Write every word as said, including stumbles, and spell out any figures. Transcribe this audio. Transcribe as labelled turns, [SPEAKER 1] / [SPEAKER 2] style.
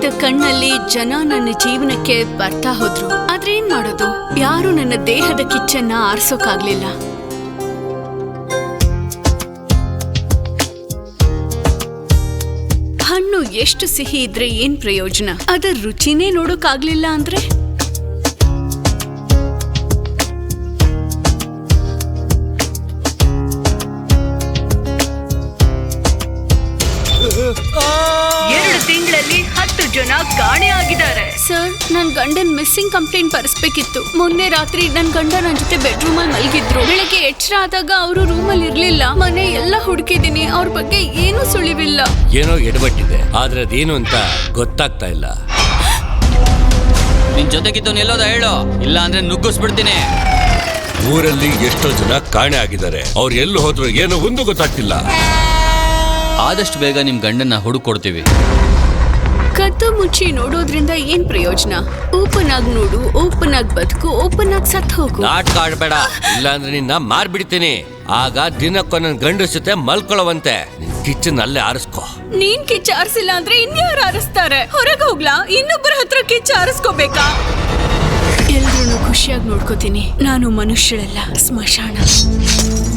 [SPEAKER 1] ತೆರೆದ ಕಣ್ಣಲ್ಲಿ ಜನ ನನ್ನ ಜೀವನಕ್ಕೆ ಬರ್ತಾ ಹೋದ್ರು. ಆದ್ರೆ ಏನ್ ಮಾಡೋದು, ಯಾರು ನನ್ನ ದೇಹದ ಕಿಚ್ಚನ್ನ ಆರಿಸೋಕಾಗ್ಲಿಲ್ಲ. ಹಣ್ಣು ಎಷ್ಟು ಸಿಹಿ ಇದ್ರೆ ಏನ್ ಪ್ರಯೋಜನ, ಅದರ ರುಚಿನೇ ನೋಡೋಕಾಗ್ಲಿಲ್ಲ ಅಂದ್ರೆ? ಎರಡು ತಿಂಗಳಲ್ಲಿ ಹತ್ತು ಜನ ಕಾಣೆ ಆಗಿದ್ದಾರೆ. ಸರ್, ನನ್ ಗಂಡನ್ ಮಿಸ್ಸಿಂಗ್ ಕಂಪ್ಲೇಂಟ್ ಬರೆಸ್ಬೇಕಿತ್ತು. ಮೊನ್ನೆ ರಾತ್ರಿ ನನ್ ಗಂಡ ನನ್ ಜೊತೆ ಬೆಡ್ರೂಮ್ ಅಲ್ಲಿ ಮಲಗಿದ್ರು. ಬೆಳಗ್ಗೆ ಎಚ್ಚರ ಆದಾಗ ಅವರು ರೂಮ್ ಅಲ್ಲಿ ಇರ್ಲಿಲ್ಲ. ಮನೆ ಎಲ್ಲ ಹುಡುಕಿದೀನಿ, ಅವ್ರ ಬಗ್ಗೆ ಏನೂ ಸುಳಿವಿಲ್ಲ.
[SPEAKER 2] ಏನೋ ಎಡಬಟ್ಟಿದೆ, ಆದ್ರೆ ಅದೇನು ಅಂತ ಗೊತ್ತಾಗ್ತಾ ಇಲ್ಲ.
[SPEAKER 3] ನಿನ್ ಜೊತೆಗಿದ್ದು ಎಲ್ಲೋದ ಹೇಳು, ಇಲ್ಲ ಅಂದ್ರೆ ನುಗ್ಗಿಸ್ಬಿಡ್ತೀನಿ.
[SPEAKER 2] ಊರಲ್ಲಿ ಎಷ್ಟೋ ಜನ ಕಾಣೆ ಆಗಿದ್ದಾರೆ. ಅವ್ರು ಎಲ್ಲಿ ಹೋದ್ರು ಏನೋ ಒಂದು ಗೊತ್ತಾಗ್ತಿಲ್ಲ.
[SPEAKER 3] ಆದಷ್ಟು ಬೇಗ ನಿಮ್ ಗಂಡನ್ನ ಹುಡುಕೊಡ್ತೀವಿ.
[SPEAKER 1] ಕದ್ದು ಮುಚ್ಚಿ ನೋಡೋದ್ರಿಂದ ಏನ್ ಪ್ರಯೋಜನ? ಓಪನ್ ಆಗಿ ನೋಡು, ಓಪನ್ ಆಗಿ ಬದುಕು, ಓಪನ್ ಆಗಿ ಸತ್ ಹೋಗು.
[SPEAKER 2] ನಾಟಕ ಆಡ್ಬೇಡ, ಇಲ್ಲ ಅಂದ್ರೆ ನಿನ್ನ ಮಾರ್ಬಿಡ್ತೀನಿ. ಆಗ ದಿನಕ್ಕೊಂದೊಂದ್ ಗಂಡ ಜೊತೆ ಮಲ್ಕೊಳ್ಳುವಂತೆ. ಕಿಚನ್ ಅಲ್ಲೇ ಆರಿಸ್ಕೋ.
[SPEAKER 1] ನೀನ್ ಕಿಚ್ಚ ಆರಿಸಿಲ್ಲ ಅಂದ್ರೆ ಇನ್ಯಾರು ಆರಿಸ್ತಾರೆ? ಹೊರಗೆ ಹೋಗ್ಲಾ? ಇನ್ನೊಬ್ಬರ ಹತ್ರ ಕಿಚ್ಚ ಆರಿಸ್ಕೋಬೇಕಾ? ಎಲ್ರೂ ಖುಷಿಯಾಗಿ ನೋಡ್ಕೋತೀನಿ. ನಾನು ಮನುಷ್ಯಳಲ್ಲ, ಸ್ಮಶಾನ.